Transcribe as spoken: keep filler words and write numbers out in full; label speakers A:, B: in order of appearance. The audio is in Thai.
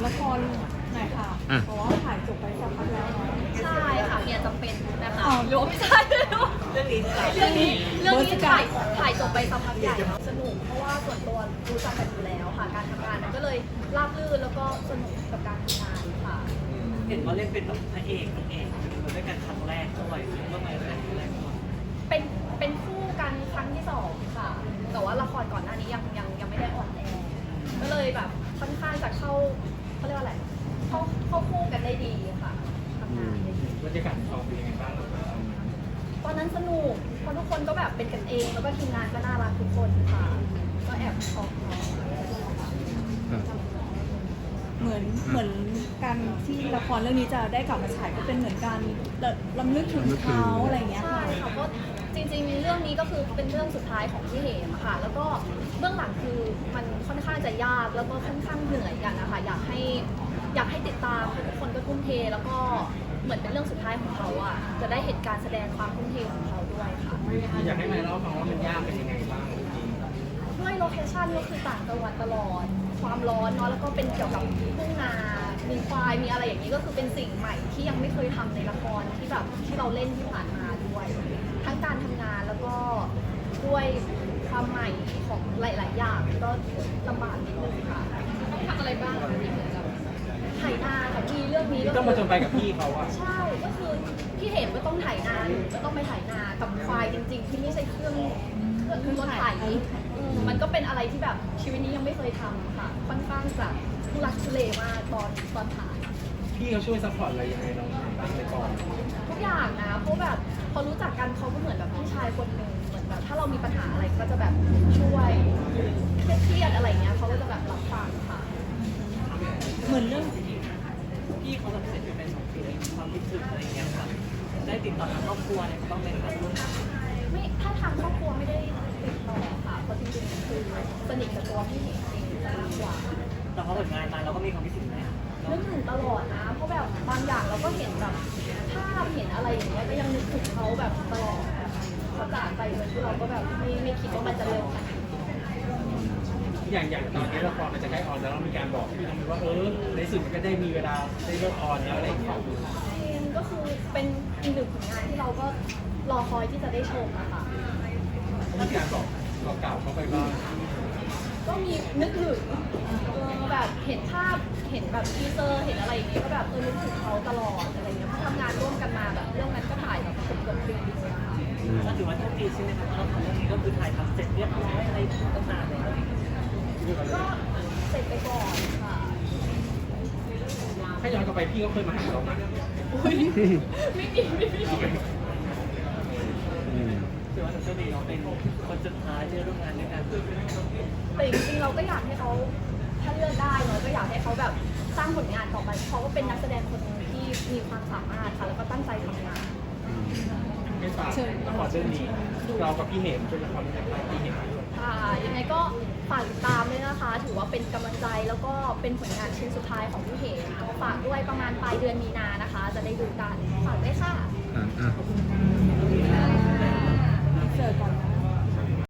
A: ละครหน่อยค่ะ
B: อ่ะ
A: เพราะว่าถ่ายจบไปสักพักแล้วเนาะ
C: ใช่ค่ะเมียจำเป็นนะคะ
A: อ้าว
C: หรือว่าไม่ใช่เรื่องนี้เรื่องนี้เรื่องนี้ถ่ายถ่ายจบไปสักพักใหญ่แล้วสนุกเพราะว่าส่วนตัวรู้จักกันอยู่แล้วค่ะการทำงานมันก็เลยราบรื่นแล้วก็สนุกกับการทำงานค่ะ
D: เห็นว่าเล่นเป็นแบบพระเอกนางเอกมาด้วยกันครั้งแรกด้วยเมื่อไหร่ครั้งแรกด้วย
C: เป็นเป็นคู่กันครั้งที่สองค่ะ แต่ว่าละครก่อนหน้านี้ยังยังยังไม่ได้ออนแอร์ก็เลยแบบค่อนข้างจะเข้าเขาเรียกว่าอะไรเข้าเข้าคู่กันได้ดีค่ะทำงานได้ดี
E: บรรยากาศกองเป็นยังไงบ้าง
C: ตอนนั้นสนุกเพราะทุกคนก็แบบเป็นกันเอง แล้วก็ทีมงานก็น่ารักทุกคนค่ะ ก็แอบชอบน้อง
A: เหมือนเหมือนการที่ละครเรื่องนี้จะได้กลับมาฉายก็เป็นเหมือนการรำลึกถึงเขาอะไรอย่างเงี้ย
C: ใช่
A: ค่ะ
C: ค่ะเพราะจริงๆ เรื่องนี้ก็คือเป็นเรื่องสุดท้ายของพี่เหมอะค่ะ แล้วก็เบื้องหลังคือมันค่อนข้างจะยากแล้วก็ค่อนข้างเหนื่อยกันนะคะอยากให้อยากให้ติดตามทุกคนก็ทุ่มเท แล้วก็เหมือนเป็นเรื่องสุดท้ายของเขาอ่ะจะได้เห็นการแสดงความทุ่มเทของเขาด้วยค่ะ
E: อยากให้นายเล่าฟังว่ามันยากเป็นยังไงบ้างจริง
C: ด้วยโลเคชั่นก็คือต่างจังหวัดตลอด ความร้อนเนาะแล้วก็เป็นเกี่ยวกับทุ่งนา มีควาย มีอะไรอย่างนี้ก็คือเป็นสิ่งใหม่ที่ยังไม่เคยทำในละครที่แบบที่เราเล่นที่ผ่านมาด้วย ทั้งการทำงานแล้วก็ด้วยความใหม่ของหลาย ๆ อย่างก็ลำบากนิดนึงค่ะต้องทำอะไรบ้างที่เหมือนกับถ่ายนาค่ะพี่เรื่องนี้ก็
E: ต้องมาจนไปกับพี่เขาอะ
C: ใช่ก็คือพี่เห็นก็ต้องถ่ายนาก็ต้องไปถ่ายนากับควายจริง ๆ ที่ไม่ใช่เครื่องเครื่องรถไถอืมมันก็เป็นอะไรที่แบบชีวิตนี้ยังไม่เคยทำค่ะ ค่อนข้างจะทุลักทุเลมากตอนตอนถ่าย
E: พี่เขาช่วยซัพพอร์ตอะไรยังไงเราบ้างในกอง
C: ทุกอย่างนะเพราะแบบพอรู้จักกันเขาก็เหมือนแบบพี่ชายคนหนึ่งเหมือนแบบถ้าเรามีปัญหาอะไรก็จะแบบช่วยเครียดๆอะไรเงี้ยเขาก็จะแบบรับฟังค่ะ
A: เหมือนเรื่อง
D: พี่เขาแบบเสร็จไปเป็นสองปีแล้วความคิดถึงอะไรอย่างเงี้ยค่ะได้ติดต่อทางครอบครัวอะไรบ้างไหมคะ
C: ไม่ถ้าทางครอบครัวไม่ได้ติดต่อค่ะเพราะจริงๆคือสนิทกับตัวพี่เห็นเองจะมากกว่า
D: แต่พอผลงานมาเราก็มีความคิดถึงนะ
C: นึกถึงตลอดนะ เพราะแบบบางอย่างเราก็เห็นแบบภาพเห็นอะไรอย่างเงี้ยก็ยังนึกถึงเขาแบบตลอดเขาจากไปโดยที่เราก็แบบไม่ไม่คิดว่ามันจะเร็วขนาดนี้
E: อย่างอย่างตอนนี้ละครมันจะใกล้ออนแล้วเรามีการบอกพี่น้องว่าเออในสุดมันก็ได้มีเวลาได้เลิกออนแล้วอะไรอย่างเงี้ย
C: เองก็คือเป็นอีกหนึ่งผลงานที่เราก็รอคอยที่จะได้ชมนะคะ
E: มีการบอกบอกกล่าวเขาไปบ้าง
C: ก็มีนึกถึงเออแบบเห็นภาพเห็นแบบทีเซอร์เห็นอะไรอย่างเงี้ยก็แบบเออนึกถึงเขาตลอดอะไรเงี้ยเพราะทำงานร่วมกันมาแบบเรื่องนั้นก็ถ่ายแบบเกือบเกือบปีเลยค่ะ
D: ก็ถือว่าโชคดีใช่ไหมครับเพราะเรื่องนี้ก็คือถ่ายทำเสร็จเรียบร้อยอะไรตั้งนานแล้ว
C: ก็เสร็จไปก่อนค่ะ
E: ถ้าย้อนกลับไปพี่ก็เคยมาหาเรานะ
C: ไม่มีไม่มี
D: ถือว่าหนูโชคดีเราเป็นคนสุดท้ายที่ร่วมงานด้วยกัน
C: แต่จริงๆเราก็อยากให้เขาถ้าเลือกได้เนาะก็อยากให้เขาแบบสร้างผลงานต่อไปเขาก็เป็นนักแสดงคนหนึ่งที่มีความสามารถค่ะแล้วก็ตั้งใจทำงาน
E: ไม่ฝากละครเรื่องนี้เรากับพี่เหมเป็นละครเรื่องแรกที่เห็น
C: ค่ะยังไงก็ฝากติดตามด้วยนะคะ ถือว่าเป็นกำลังใจแล้วก็เป็นผลงานชิ้นสุดท้ายของพี่เหมก็ฝากด้วยประมาณปลายเดือนมีนานะคะ จะได้ดูกันฝากด้วยค่ะ
B: อ่ะอ่ะ
A: เสิร์ฟก่อนนะ